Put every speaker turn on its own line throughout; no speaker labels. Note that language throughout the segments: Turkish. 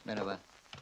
Merhaba.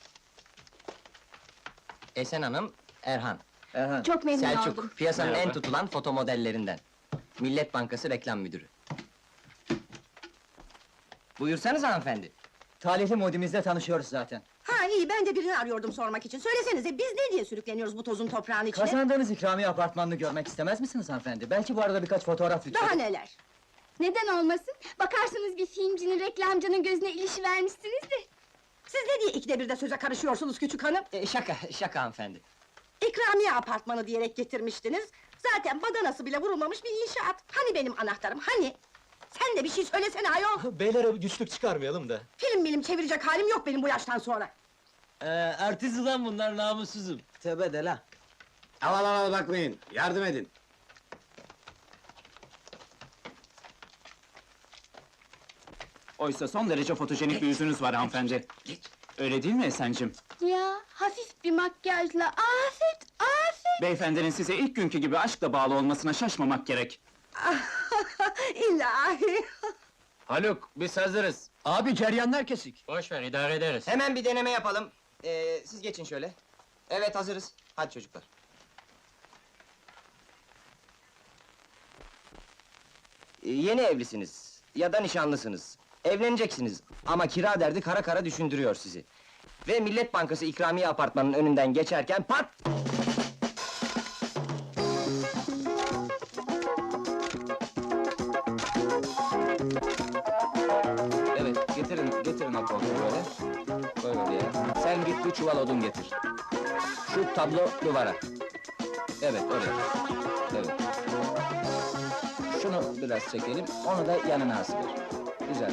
Esen Hanım, Erhan.
Erhan.
Çok memnun
Selçuk,
oldum.
piyasanın
Merhaba.
en tutulan foto modellerinden. Millet Bankası reklam müdürü. Buyursanız hanımefendi.
Talihli modimizle tanışıyoruz zaten.
Ha iyi, ben de birini arıyordum sormak için. Söylesenize, biz ne diye sürükleniyoruz bu tozun toprağın içine?
Kazandığınız ikramiye apartmanını görmek istemez misiniz hanımefendi? Belki bu arada birkaç fotoğraf
Daha
lütfen.
neler?
Neden olmasın? Bakarsınız bir filmcinin, reklamcının gözüne ilişivermişsiniz de.
Siz ne diye ikide bir de söze karışıyorsunuz küçük hanım?
Şaka hanımefendi.
İkramiye apartmanı diyerek getirmiştiniz. Zaten badanası bile vurulmamış bir inşaat. Hani benim anahtarım, hani? Sen de bir şey söylesene ayol!
Beylere güçlük çıkarmayalım da.
Film çevirecek halim yok benim bu yaştan sonra.
Artist ulan bunlar, namussuzum.
Tövbe de la.
Al bakmayın, yardım edin.
Oysa son derece fotojenik bir yüzünüz var hanımefendi. Öyle değil mi Esen'cim?
Ya, hafif bir makyajla, afet, afet!
Beyefendinin size ilk günkü gibi aşkla bağlı olmasına şaşmamak gerek.
İlahi!
Haluk, biz hazırız.
Abi ceryanlar kesik.
Boş ver, idare ederiz.
Hemen bir deneme yapalım. Siz geçin şöyle. Evet, hazırız. Hadi çocuklar. Yeni evlisiniz ya da nişanlısınız. Evleneceksiniz ama kira derdi kara kara düşündürüyor sizi. Ve Millet Bankası ikramiye apartmanının önünden geçerken pat! Evet, getirin o koltuğu böyle. Koy oraya. Sen git bir çuval odun getir. Şu tablo duvara. Evet, oraya. Evet. Şunu biraz çekelim, onu da yanına asılır. Güzel.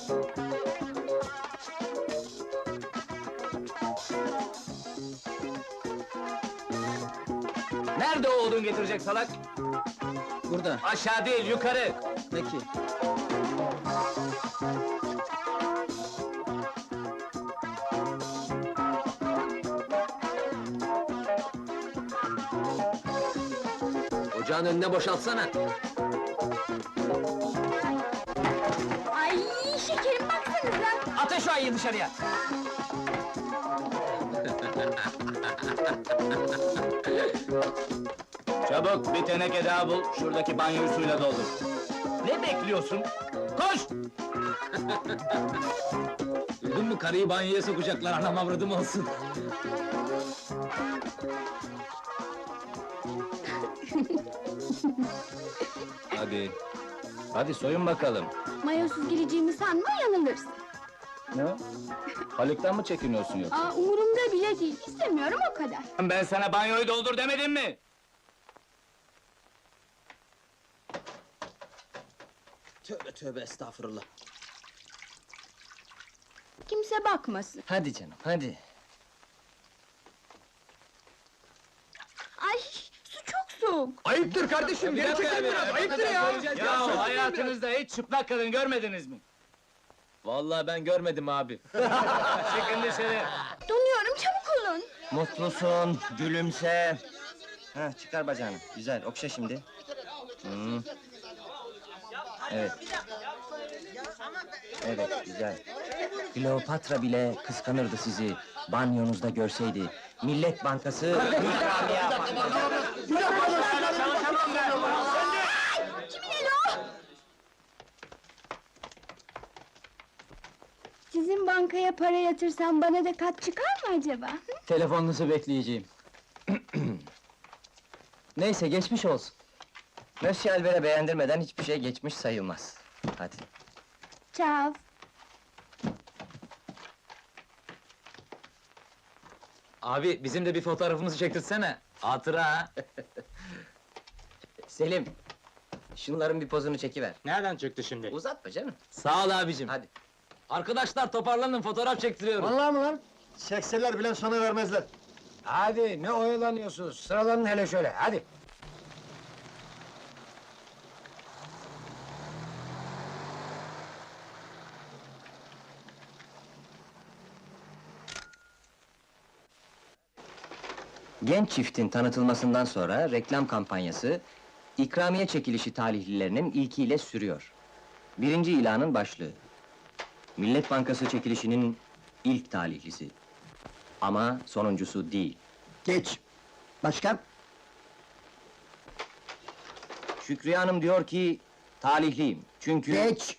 Nerede o odun getirecek salak?
Burada.
Aşağı değil, yukarı!
Peki.
Ocağın önüne boşaltsana!
Ay şekerim, baksanıza!
Atın şu ayıyı dışarıya!
Çabuk bir teneke daha bul, şuradaki banyoyu suyla doldur.
Ne bekliyorsun? Koş!
Duydun mu, karıyı banyoya sokacaklar, anam avradım olsun.
Hadi. Hadi soyun bakalım.
Mayosuz gireceğimi sanma, yanılırsın.
Ne? Haluk'tan mı çekiniyorsun yoksa?
Aa, umurumda bile değil, istemiyorum o kadar.
Ben sana banyoyu doldur demedim mi?
Tövbe tövbe estağfurullah.
Kimse bakmasın.
Hadi canım, hadi.
Ay, su çok soğuk!
Ayıptır kardeşim, geri çekil biraz, ayıptır ya!
Ya hayatınızda hiç çıplak kadın görmediniz mi?
Vallahi ben görmedim abi.
Çıkın dışarı.
Donuyorum, çabuk olun!
Mutlusun, gülümse. Ha, çıkar bacağını. Güzel, okşa şimdi. Evet. Evet, güzel. Kleopatra bile kıskanırdı sizi. Banyonuzda görseydi. Millet Bankası ikramiye apartmanı.
Sizin bankaya para yatırsam bana da kat çıkar mı acaba?
Telefonunuzu bekleyeceğim.
Neyse, geçmiş olsun. Monsieur Albert'e beğendirmeden hiçbir şey geçmiş sayılmaz. Hadi.
Çav!
Abi, bizim de bir fotoğrafımızı çektirsene. Hatıra ha.
Selim, şunların bir pozunu çekiver.
Nereden çıktı şimdi?
Uzatma canım.
Sağ ol abicim.
Hadi.
Arkadaşlar toparlanın, fotoğraf çektiriyorum.
Vallahi mı lan? Çekseler bile sana vermezler.
Hadi, ne oyalanıyorsunuz? Sıralanın hele şöyle, hadi. Genç çiftin tanıtılmasından sonra reklam kampanyası, ikramiye çekilişi talihlilerinin ilkiyle sürüyor. Birinci ilanın başlığı. Millet Bankası çekilişinin
İlk talihlisi. Ama sonuncusu değil.
Geç. Başka?
Şükriye Hanım diyor ki, talihliyim. Çünkü...
Geç.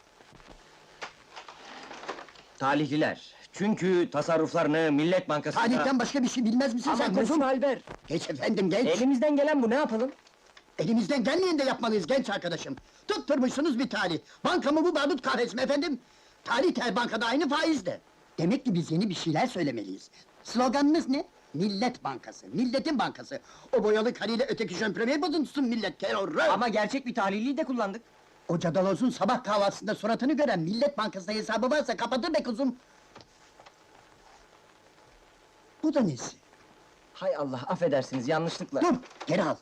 Talihliler. Çünkü tasarruflarını Millet Bankası'nda...
Talihten başka bir şey bilmez misin
Ama
sen kuzum?
mesul ver.
Geç efendim, geç.
Elimizden gelen bu, ne yapalım?
Elimizden gelmeyen de yapmalıyız genç arkadaşım. Tutturmuşsunuz bir talih. Banka mı bu barut kahretsin efendim? Talih her bankada aynı faizde. Demek ki biz yeni bir şeyler söylemeliyiz. Sloganınız ne? Millet Bankası, milletin bankası. O boyalı karıyla öteki jönpremeyi bozuntusun millet terörü!
Ama gerçek bir talihliyi de kullandık.
O cadalozun sabah kahvaltısında suratını gören Millet Bankası'nda hesabı varsa kapatır be kuzum! Bu da nesi?
Hay Allah, affedersiniz, yanlışlıkla.
Dur, geri al!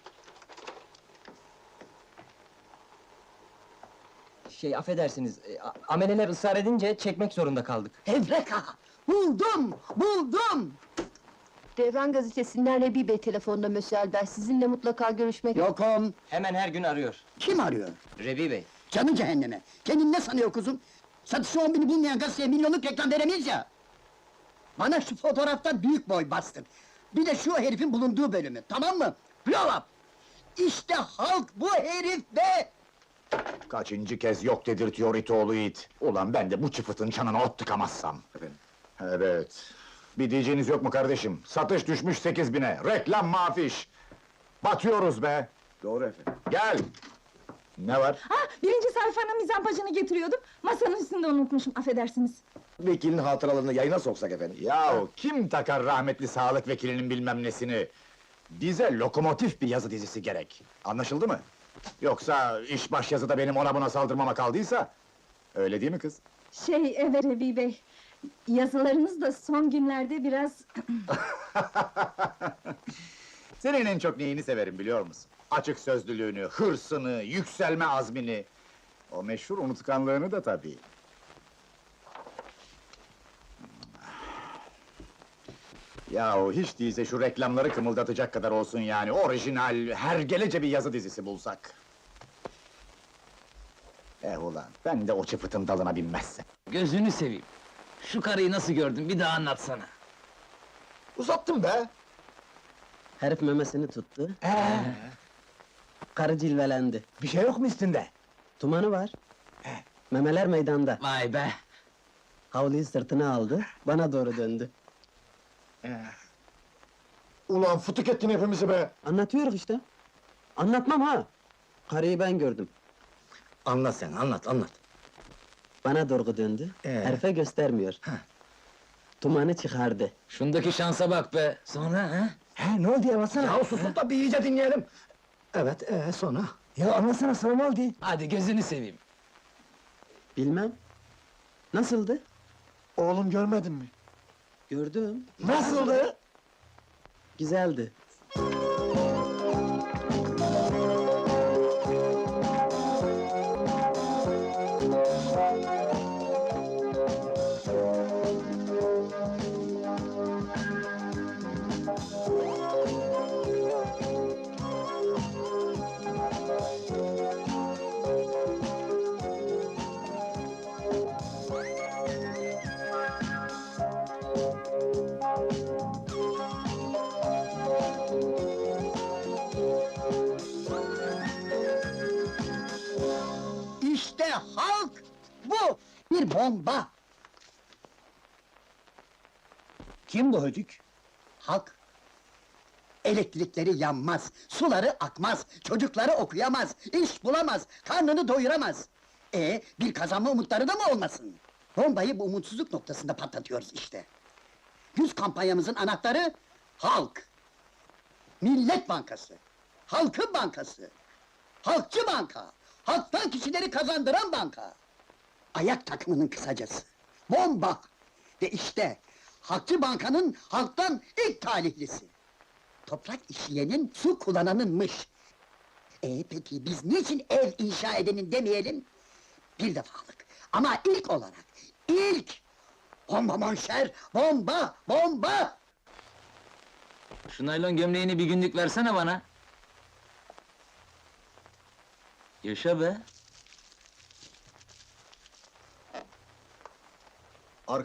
Affedersiniz, ameleler ısrar edince çekmek zorunda kaldık.
Evreka! Buldum, buldum!
Devran gazetesinden Rebi Bey telefonda Mösyö Albert, sizinle mutlaka görüşmek...
Yokum!
Hemen her gün arıyor.
Kim arıyor?
Rebi Bey.
Canı cehenneme! Kendini ne sanıyor kuzum? Satışı 10 bini bulmayan gazeteye milyonluk reklam veremeyiz ya! Bana şu fotoğraftan büyük boy bastın! Bir de şu herifin bulunduğu bölümü, tamam mı? Blow up! İşte halk bu herif be!
Kaçıncı kez yok dedirtiyor itoğlu it. Ulan ben de bu çıfıtın çanına ot tıkamazsam. Evet. Bir diyeceğiniz yok mu kardeşim? Satış düşmüş 8.000'e, reklam mafiş! Batıyoruz be! Doğru efendim. Gel! Ne var?
Birinci sayfanın mizampajını getiriyordum, masanın üstünde unutmuşum, affedersiniz.
Vekilin hatıralarını yayına soksak efendim. Yahu kim takar rahmetli sağlık vekilinin bilmem nesini? Bize lokomotif bir yazı dizisi gerek. Anlaşıldı mı? Yoksa iş baş yazıda benim ona buna saldırmama kaldıysa... Öyle değil mi kız?
Evet Rebi Bey, yazılarınız da son günlerde biraz...
Senin en çok neyini severim biliyor musun? Açık sözlülüğünü, hırsını, yükselme azmini... O meşhur unutkanlığını da tabii. Yahu hiç değilse şu reklamları kımıldatacak kadar olsun yani, orijinal, hergelece bir yazı dizisi bulsak. Ulan, ben de o çıfıtın dalına binmezsem.
Gözünü seveyim. Şu karıyı nasıl gördün, bir daha anlatsana.
Uzattım be!
Herif memesini tuttu. Karı cilvelendi.
Bir şey yok mu üstünde?
Tumanı var. Memeler meydanda.
Vay be!
Havluyu sırtına aldı, bana doğru döndü.
Ulan fıtık ettin hepimizi be!
Anlatıyoruz işte. Anlatmam ha! Karıyı ben gördüm.
Anlat sen, anlat!
Bana doğru döndü, herife göstermiyor. Tumanı çıkardı.
Şundaki şansa bak be! Sonra ha?
Ne oldu ya, anlatsana! Ya susun da bir iyice dinleyelim! Evet, sonra? Ya anlatsana, sonra ne oldu?
Hadi gözünü seveyim.
Bilmem. Nasıldı?
Oğlum görmedin mi?
Gördüm.
Nasıldı?
Güzeldi.
İşte halk bu! Bir bomba!
Kim bu hödük?
Halk! Elektrikleri yanmaz, suları akmaz, çocukları okuyamaz, iş bulamaz, karnını doyuramaz. Bir kazanma umutları da mı olmasın? Bombayı bu umutsuzluk noktasında patlatıyoruz işte. 100 kampanyamızın anahtarı, halk! Millet Bankası, Halkın Bankası, Halkçı Banka, halktan kişileri kazandıran banka. Ayak takımının kısacası, bomba! Ve işte, Halkçı Banka'nın halktan ilk talihlisi. Toprak işleyenin, su kullananınmış. Peki biz niçin ev inşa edenin demeyelim? Bir defalık, ama ilk olarak, ilk! Bomba monşer, bomba, bomba!
Şu naylon gömleğini bir günlük versene bana. Yaşa be!